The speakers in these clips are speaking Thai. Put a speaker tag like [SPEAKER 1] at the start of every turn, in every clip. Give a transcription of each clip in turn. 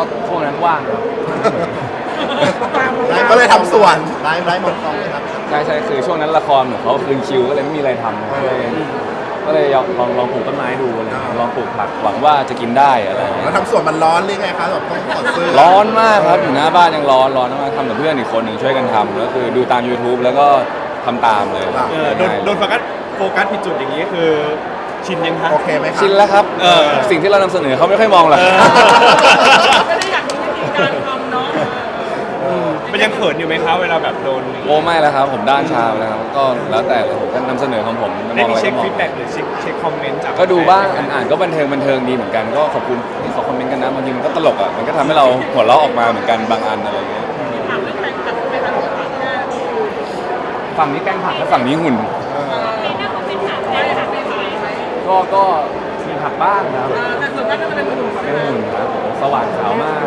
[SPEAKER 1] ช่วงนั้นว่างครับ
[SPEAKER 2] ก็เลยทำสวนไร้หมดกองเลยครับ
[SPEAKER 1] ใช่คือช่วงนั้นละครเหมือนเขาคืนคิวก็เลยไม่มีอะไรทำก็เลยลองปลูกต้นไม้ดูอะไรลองปลูกผักหวังว่าจะกินได้อะไรอย่างเงี้
[SPEAKER 2] แล้ว
[SPEAKER 1] ย
[SPEAKER 2] ทำสวนมันร้อนหรือไงคะแบบต้องถอดเสื้อ
[SPEAKER 1] ร้อนมากครับอยู่หน้าบ้านยังร้อนมากทำกับเพื่อนอีกคนหนึ่งช่วยกันทำก็คือดูตาม YouTube แล้วก็ทำตามเลย
[SPEAKER 3] โดนโฟกัสผิดจุดอย่างนี้คือชินยังคะ
[SPEAKER 2] โอเคไหมครับ
[SPEAKER 1] ชินแล้วครับสิ่งที่เรานำเสนอเขาไม่ค่อยมองหรอก
[SPEAKER 4] ไม่ได้อยากรู้วิธีการทำเนาะ
[SPEAKER 3] มันยังเขินอยู่ไหมคะเวลาแบบโดน
[SPEAKER 1] โอ้ไม่แล้วครับผมด้านชาไปแล้วครับก็แล้วแต่เลยผมก็นำเสนอของผมจะม
[SPEAKER 3] ได้
[SPEAKER 1] อง
[SPEAKER 3] มี
[SPEAKER 1] อะไร
[SPEAKER 3] เช็ค
[SPEAKER 1] ก็มอ
[SPEAKER 3] ฟี
[SPEAKER 1] ง
[SPEAKER 3] ดแบ็กหรือเช็คคอมเมนต์จาก
[SPEAKER 1] ก็ดูบ้างอ่านก็บันเทิงดีเหมือนกันก็ขอบคุณที่เขาคอมเมนต์กันนะบางทีมันก็ตลกอ่ะมันก็ทำให้เราหัวเราะออกมาเหมือนกันบางอันอะไรเงี้ย
[SPEAKER 4] ถามเรื่องแฟนคลับไม่ทันถามแค่
[SPEAKER 1] ฝั่งนี้แกล้งผักและฝั่งนี้หุ่น
[SPEAKER 4] มีหน้าคอมเมนต์ถามได้ถามไม่ไหว
[SPEAKER 1] ก็มีผักบ้างครับ
[SPEAKER 4] แต่ส่วนมากก็จะเป็นกลุ่มของ
[SPEAKER 1] เป็นหุ่นครับผมสว่างขาวมาก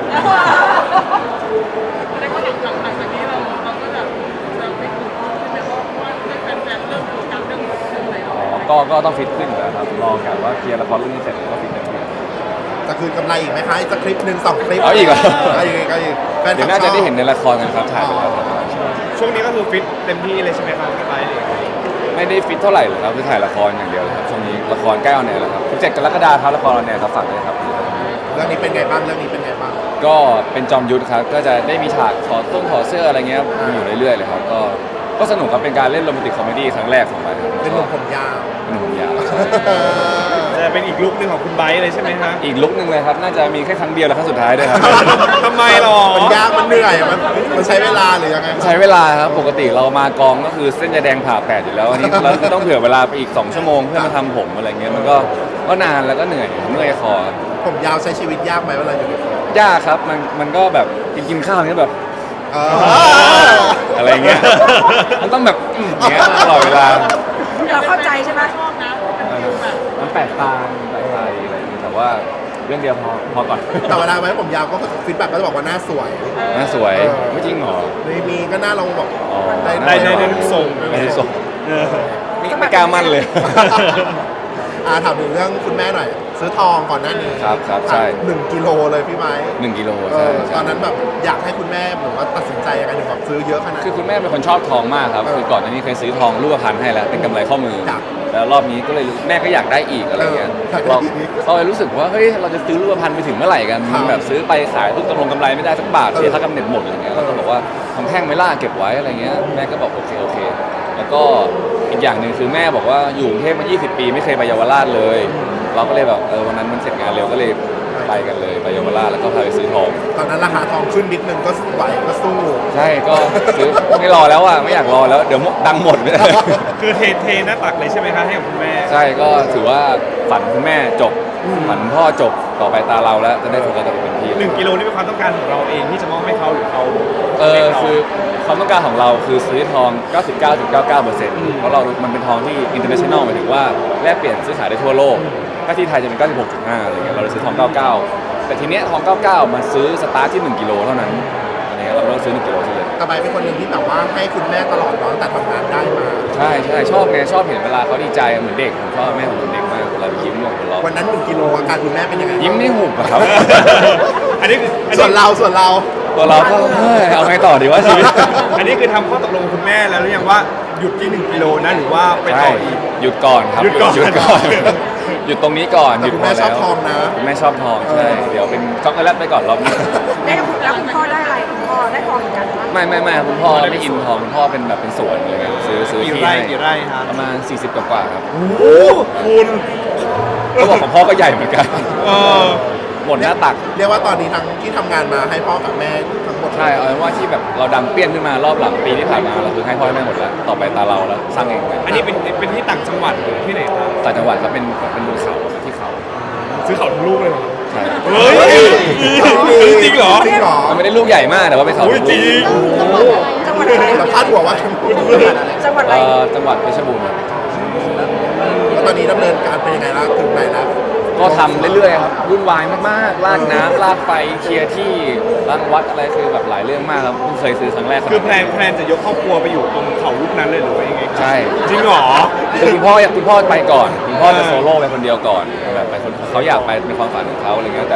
[SPEAKER 4] แต่ก็หลังจากนี้เราก็จะไปกลุ่มใช่ไหมเพราะว่าแฟนๆเริ่มโฟกัสเรื่องไหนเรา
[SPEAKER 1] ก็ต้องฟิตขึ้นอยู่แล้วครับรอกันว่าเคลียร์ละครเรื่องนี้เสร็จก็ฟิตขึ้น
[SPEAKER 2] จะคืนกำไรอีกไหมคะอีกสักคลิปหนึ่ง2 คลิป
[SPEAKER 1] เอาอีกเหรอ
[SPEAKER 2] เอาอีกแฟนค
[SPEAKER 1] เดี๋
[SPEAKER 2] ลั
[SPEAKER 1] ย
[SPEAKER 2] บ
[SPEAKER 1] วน่าจะได้
[SPEAKER 2] ชอบ
[SPEAKER 1] เห็นในละครกันครับถ่ายไปแล้วครับ
[SPEAKER 3] ช่วงนี้ก็คือฟิตเต็มที่เลยใช่ไหมครับไปเลย
[SPEAKER 1] ไม่ได้ฟิตเท่าไหร่เลยครับคือถ่ายละครอย่างเดียวเลยครับช่วงนี้ละครใกล้ออนแอร์แล้วครับ17 กรกฎาคมครับละครออนแอร์ครับฝากด้วยครับ
[SPEAKER 2] เรื่องนี้เป็นไงบ้าง
[SPEAKER 1] ก็เป็นจอมยุทธครับก็จะได้มีฉากถอดเสื้ออะไรเงี้ยมีอยู่เรื่อยๆเลยครับก็สนุกครับเป็นการเล่นโรแมนติกคอมเมดี้ครั้งแรกของไปครับ
[SPEAKER 2] เป็นหนุ่มผมยาว
[SPEAKER 1] เป็นหนุ่มยาว
[SPEAKER 3] จะเป็นอีกลุคหนึ่งของคุณไบร์ทเลยใช่ไหมฮะ
[SPEAKER 1] อีกลุกหนึ่งเลยครับน่าจะมีแค่ครั้งเดียวและครั้งสุดท้ายด้วยครับ
[SPEAKER 3] ทำไมหรอ
[SPEAKER 2] มันยากมันเหนื่อยมันใช้เวลาหรือยังไง
[SPEAKER 1] ใช้เวลาครับปกติเรามากองก็คือเส้นยาแดงผ่าแปดอยู่แล้วอันนี้เราก็ต้องเผื่อเวลาไปอีก2 ชั่วโมงเพื่อมาทำผมอะไรเงี้ยมันก็นานแล้วก็เหนื่อยเมื่อยคอ
[SPEAKER 2] ผมยาวใช้ชีวิตยากไหมเวลาอยู่ในกอง
[SPEAKER 1] ยากครับมันก็แบบกินข้าวเนี้ยแบบ
[SPEAKER 2] เอ
[SPEAKER 1] อะไรเงี้ยมันต้องแบบอย่างเงี้ยตลอดเวลา
[SPEAKER 4] เราเข้าใจใช่ไหมชอบนะเป็นฟิลแบบ
[SPEAKER 1] มันแปลกตาอะไรอย่างเงี้ยแต่ว่าเรื่องเดียวพอก่อน
[SPEAKER 2] แต่เวลาไว้ผมยาวก็ฟีดแบ็กก็จะบอกว่าหน้าสวย
[SPEAKER 1] น่าสวยไม่จริงเหรอ
[SPEAKER 2] มีก็หน้าเราบอก
[SPEAKER 1] อ๋อ
[SPEAKER 3] ได้ทุกทรง
[SPEAKER 1] ไม่ได้ส่งไม่กล้ามั่นเลย
[SPEAKER 2] ถามถึงเรื่องคุณแม่หน่อย ซื้อทองก่อนหน้านี้
[SPEAKER 1] ครับใช่
[SPEAKER 2] 1 กิโลเลยพี่ไม้
[SPEAKER 1] 1 กิโล
[SPEAKER 2] เอ
[SPEAKER 1] ใช่
[SPEAKER 2] อต
[SPEAKER 1] ใช่
[SPEAKER 2] อนนั้นแบบอยากให้คุณแม่แบบว่าตัดสินใจยังไงถึงแบบซื้อเยอะขนาด
[SPEAKER 1] คือ
[SPEAKER 2] นี้
[SPEAKER 1] คุณแม่เป็นคนชอบทองมากครับคือก่อนหน้านี้เคยซื้อทองรูปพรรณให้แล้วเป็นกำไรข้อมือ
[SPEAKER 2] จ้ะ
[SPEAKER 1] แล้วรอบนี้ก็เลยแม่ก็อยากได้อีกอะไรเงี้ย เราเลยรู้สึกว่าเฮ้ยเราจะซื้อรูปพรรณไปถึงเมื่อไหร่กันมันแบบซื้อไปขายทุกกำไรไม่ได้สักบาทเสียค่ากำเนิดหมดอะไรเงี้ยเราก็บอกว่าทำแท่งไม่ล่าเก็บไว้อะไรเงี้ยแม่ก็บอกโอเคแล้วก็อีกอย่างหนึ่งคือแม่บอกว่าอยู่กรุงเทพมา 20 ปีไม่เคยไปเยาวราชเลย เราก็เลยแบบวันนั้นมันเสร็จงานเร็วก็เลยไปกันเลยไปเยาวราชแล้วก็พาไปซื้อทอง
[SPEAKER 2] ตอนนั้นราคาทองขึ้นนิดนึงก็ไหวก็สู้
[SPEAKER 1] ใช่ก็ซื้อไม่รอแล้วอ่ะไม่อยากรอแล้วเดี๋ยวดังหมด
[SPEAKER 3] คือเทหน้าตักเลยใช่ไหมคะให้กับคุณแม่
[SPEAKER 1] ใช่ก็ถือว่าฝันคุณแม่จบฝันพ่อจบต่อไปตาเราแล้วจะได้โฟกัสกับเป็นที่
[SPEAKER 3] 1 กิโลนี่เป็นความต้องการของเราเองที่จะมอบให้เขาหรือเขา
[SPEAKER 1] คือความต้องการของเราคือซื้อทอง 99.99%เพราะมันเป็นทองที่ international หมายถึงว่าแลกเปลี่ยนซื้อขายได้ทั่วโลกถ้าที่ไทยจะเป็น 96.5 อะไรเงี้ยเราเลยซื้อทอง 99 แต่ทีเนี้ยทอง 99 มันซื้อสตาร์ทที่ 1 กิโลเท่านั้นอะไรเงี้ยเราต้องซื้อ 1 กิโลที่เลย
[SPEAKER 2] กระบายเป็นคนหนึ่งที่แบบว่าให้คุณแม่ตลอดเนาะตั้งแต่ทำงานได้มา
[SPEAKER 1] ใช่ชอบไงชอบเห็นเวลาเขาดีใจเหมือนเด็กผมชอบแม่ผมเหมือนเด็กมากเวลายิ้มหัวเราะ
[SPEAKER 2] วันนั้น1 กิโลอาการคุณแม่เป็นยังไง
[SPEAKER 1] ยิ้มไม่หุบอะครับ
[SPEAKER 3] อันนี้คือ
[SPEAKER 2] ส่วนเรา
[SPEAKER 1] ตัวเราก็เฮ้ยเอาไงต่อดีวะชีวิต
[SPEAKER 3] อันนี้คือทำข้อตกลงกับคุณแม่แล้วหรือยังว่าหยุดที่1 กิโลนะหรือว่าไปต่ออีก
[SPEAKER 1] หยุดก่อนครับ
[SPEAKER 3] หยุดก่อน
[SPEAKER 1] หยุดตรงนี้ก่อนหยุด
[SPEAKER 2] คุณ
[SPEAKER 1] พอ
[SPEAKER 2] แม่ช
[SPEAKER 1] แล้
[SPEAKER 2] อบ
[SPEAKER 1] ว
[SPEAKER 2] ทองนะ
[SPEAKER 1] คุณแม่ชอบทองใช่เดี๋ยวเป็นช็อกโกแลตไปก่อนรอบนี้
[SPEAKER 4] ได้แล้วคุณพ่อได้อะไรคุณพ่อได้ทองเหมือนกันปะ
[SPEAKER 1] ไม่คุณพ่อไม่อินทองคุณพ่อเป็นแบบเป็นสวนอะไรเงี้ยซื้อ
[SPEAKER 3] กี่
[SPEAKER 1] ที่
[SPEAKER 3] ไร่
[SPEAKER 1] ให้
[SPEAKER 3] กี่ไร่ฮะ
[SPEAKER 1] ประมาณ40 กว่าครับ
[SPEAKER 3] โอ้โหคุณ
[SPEAKER 1] เขาบอกของพ่อก็ใหญ่เหมือนกัน
[SPEAKER 3] เออ
[SPEAKER 1] หมดหน้าตัก
[SPEAKER 2] เรียกว่าตอนนี้ทั้งที่ทำงานมาให้พ่อกับแม่ทั้งหมด
[SPEAKER 1] ใช่เอาเป็นว่าที่แบบเราดังเปี้ยนขึ้นมารอบหลังปีที่ผ่านมาเราคือให้พ่อให้แม่หมดแล้วต่อไปตาเราแล้วสร้างเอง
[SPEAKER 3] อันนี้เป็นที่ต่างจังหวัดหรือที่ไหนครับ
[SPEAKER 1] ต่างจังหวัดครับเป็นบนเขาที่เขา
[SPEAKER 3] ซื้อเขาทั้งลูกเลยเหรอ
[SPEAKER 1] ใช่
[SPEAKER 3] เฮ้ยจริงเหรอ
[SPEAKER 2] จริงเหรอ
[SPEAKER 1] มันไม่ได้ลูกใหญ่มากแต่ว่าเป็นเขา
[SPEAKER 3] โอ้ยจริง
[SPEAKER 4] จังหวัดอะไร
[SPEAKER 2] แต่พาดหัวว่า
[SPEAKER 4] จังหวัดอะไร
[SPEAKER 1] จังหวัดเพชรบูรณ์ครับ
[SPEAKER 2] แล้วตอนนี้ดำเนินการเป็นยังไงแล้วถึงไหนแล้ว
[SPEAKER 1] ก็ทำเรื่อยๆครับวุ่นวายมากๆลากน้ำลากไฟเคลียร์ที่ล้างวัดอะไรคือแบบหลายเรื่องมากครับเพิ่งเคยซื้อครั้งแรกรับ
[SPEAKER 3] คือแพลนจะยกครอบครัวไปอยู่ตรงเขาลูกนั้นเลยหรือว่ายังไงครับ
[SPEAKER 1] ใช่
[SPEAKER 3] จริงเหรอ
[SPEAKER 1] คือคุณพ่อไปก่อนคุณพ่อจะโซโล่ไปคนเดียวก่อนแบบไปคนเขาอยากไปเป็นความฝันของเขาอะไรเงี้ยแต่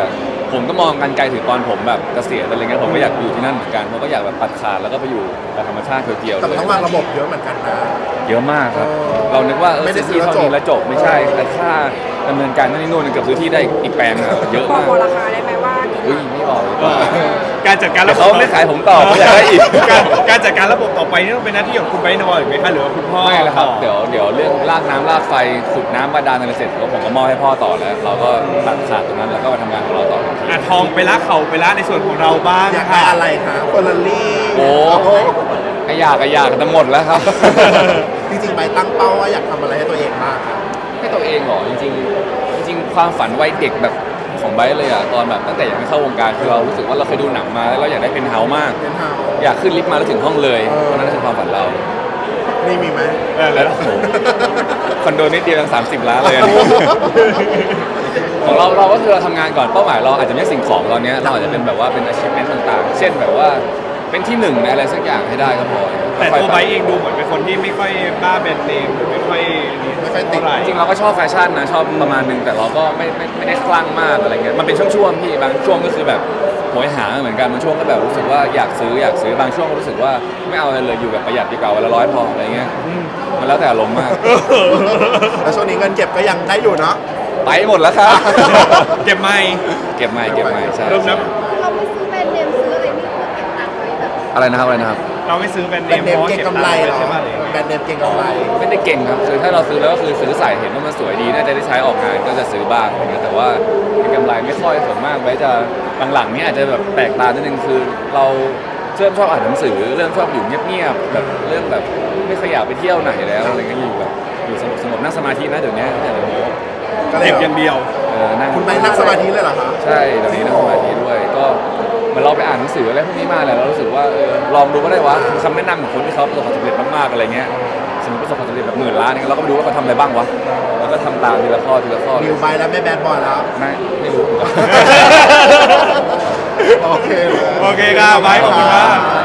[SPEAKER 1] ผมก็มองกันไกลถึงตอนผมแบบเกษียณอะไรเงี้ยผมก็อยากอยู่ที่นั่นเหมือนกันผมก็อยากแบบตัดขาดแล้วก็ไปอยู่กับธรรมชาติเพียวๆ
[SPEAKER 2] แต่
[SPEAKER 1] เล
[SPEAKER 2] มัน
[SPEAKER 1] ย
[SPEAKER 2] ต้องวางระบบเยอะเหมือนกันนะ
[SPEAKER 1] เยอะมากครับ
[SPEAKER 2] เออ
[SPEAKER 1] เรานึกว่า
[SPEAKER 2] ไม่ได้
[SPEAKER 1] ซื้อที่
[SPEAKER 2] ซื้อ
[SPEAKER 1] เท่านี้
[SPEAKER 2] แล้
[SPEAKER 1] แล้ว ว
[SPEAKER 2] จ
[SPEAKER 1] จ
[SPEAKER 2] บ
[SPEAKER 1] บไม่ใช่แต่ค่าดำเนินการนั่นนี่นู่นเกือบซื้อที่ได้อีกแปลงอะเยอะ
[SPEAKER 5] บอ
[SPEAKER 1] มาก ก
[SPEAKER 5] บอกราคาได้ไหมว่ากี่
[SPEAKER 1] อุ้ย
[SPEAKER 5] ล้าน
[SPEAKER 1] ไม่บอกดีกว่า
[SPEAKER 3] การจัดการ
[SPEAKER 1] แต่
[SPEAKER 3] ระบบ
[SPEAKER 1] เขาไม่ขายผมต่อเขาอยากได้อีก
[SPEAKER 3] การจัดการระบบต่อไปนี่ต้องเป็นหน้าที่ของคุณไบร์ทนอหรือไหมคะหรือว่าคุณพ่อ
[SPEAKER 1] ไม่แล้วครับ
[SPEAKER 3] ต่อ
[SPEAKER 1] เดี๋ยวเรื่องลากน้ำลากไฟขุดน้ำบาดาลอะไรเสร็จผมก็มอบให้พ่อต่อแล้ว เราก็ตัดขาดตรงนั้นแล้วก็มาทำงานของเราต่อทันที
[SPEAKER 3] ทองไปละเข่าไปละในส่วนของเราบ้าง
[SPEAKER 2] อยากได้อะไรคะเฟอร์รารี่
[SPEAKER 1] โอ้ก็อยากแต่หมดแล้วครับ
[SPEAKER 2] จริงๆไปตั้งเป้าว่าอยากทำอะไรให้ตัวเองบ้างครับ
[SPEAKER 1] ให้ตัวเองเหรอจริงๆความฝันวัยเด็กแบบของไบร์ทเลยอะตอนแบบตั้งแต่ยังไม่เข้าวงการคือเรารู้สึกว่าเราเคยดูหนังมาแล้วเราอยากได้เป็นเฮาส์มาก
[SPEAKER 2] เป็นเฮา
[SPEAKER 1] อยากขึ้นลิฟต์มาแล้วถึงห้องเลยเพราะนั่นคือความฝันเรา
[SPEAKER 2] นี่มีไหม
[SPEAKER 1] แล้วโอ้โหคอนโดนิดเดียวยัง30 ล้านเลยอันนี้ ของเราก็คือเราทำงานก่อนเป้าหมายเราอาจจะไม่ใช่สิ่งของตอนเนี้ยเราอาจจะเป็นแบบว่าเป็น achievement ต่างๆ เช่นแบบว่าเป็นที่หนึ่งในอะไรสักอย่างให้ได้ก็พอ
[SPEAKER 3] แต่
[SPEAKER 1] ค่อย
[SPEAKER 3] ตัว
[SPEAKER 1] ๆ
[SPEAKER 3] ไบร์ทเองดูเหมือนเป็นคนที่ไม่ค่อยบ้าแบรนด์เนมหรือไม่ค่อยเท่าไหร่
[SPEAKER 1] จริงๆเราก็ชอบแฟชั่นนะชอบประมาณนึงแต่เราก็ไม่ได้คลั่งมากอะไรเงี้ยมันเป็นช่วงๆพี่บางช่วงก็คือแบบโหยหาเหมือนกันบางช่วงก็แบบรู้สึกว่าอยากซื้อบางช่วงก็รู้สึกว่าไม่เอาอะไรเลยอยู่แบบประหยัดดีกว่าวันละ100พออะไรเงี้ยมันแล้วแต่อารมณ์มาก
[SPEAKER 2] แล้วช่วงนี้เงินเก็บก็ยังได้อยู่เนาะ
[SPEAKER 1] ไปหมดแล้วครับ
[SPEAKER 3] เก็บไม่
[SPEAKER 1] เก็บใหม่ใช่
[SPEAKER 3] เริ่มนับ
[SPEAKER 5] เราไม่ซื้อแบรนด์เนมซื้ออะไรนี่เพื่อเก็บตังค์ไว้แบบ
[SPEAKER 1] อะไรนะครับ
[SPEAKER 3] เราไม่ซื้อแบรนด์
[SPEAKER 2] แบ
[SPEAKER 3] เน
[SPEAKER 2] รน
[SPEAKER 3] ม
[SPEAKER 2] ด์เน
[SPEAKER 3] เพ
[SPEAKER 2] ม
[SPEAKER 3] ราะว่า
[SPEAKER 2] เก่ง
[SPEAKER 3] เก็บ
[SPEAKER 2] กำไร
[SPEAKER 3] ตังค์
[SPEAKER 2] เหรอ
[SPEAKER 3] ใช่ไหม
[SPEAKER 2] แบรนด์เนมเก่งกำไร
[SPEAKER 1] ไม่ได้เก่งครับคือถ้าเราซื้อแล้วก็คือซื้อใส่เห็นว่ามันสวยดีน่าจะได้ใช้ออกงานก็จะซื้อบ้างอะไรเงี้ยแต่ว่าเป็นกำไรไม่ค่อยส่วนมากไว้จะหลังๆเนี่ยอาจจะแบบแปลกตานิดนึงคือเราเริ่มชอบอ่านหนังสือเริ่มชอบอยู่เงียบๆแบบเริ่มแบบไม่ขยับไปเที่ยวไหนแล้วอะไรเงี้ยอยู่แบบอยู่สงบๆนั่งสมาธินะเดี๋ยวนี้เนี่ยเดี๋ยวนี้
[SPEAKER 2] ก็เลย
[SPEAKER 3] เก็บอย่างเดียว
[SPEAKER 1] นั่ง
[SPEAKER 2] คุณไปนั่งสมาธิเลยเหรอคะ
[SPEAKER 1] ใช่เดี๋ยวนี้นั่งสมาธิด้วยก็เหมือนเราไปอ่านหนังสืออะไรพวกนี้มาแหละเรารู้สึกว่าลองดูก็ได้วะคำแนะนำของคนที่เขาประสบความสำเร็จมากๆอะไรเงี้ยสมมติประสบความสำเร็จแบบ10,000 ล้านเนี่ยเราก็ไปดูว่าเขาทำอะไรบ้างวะแล้วก็ทำตามทีละข้อ
[SPEAKER 2] นิวไปแล้วไม่แบดบอยแล้ว
[SPEAKER 1] ไม่รู้เหมือนกัน
[SPEAKER 2] โอเคเลย
[SPEAKER 3] โอเคครับไบร์ทขอบคุณมาก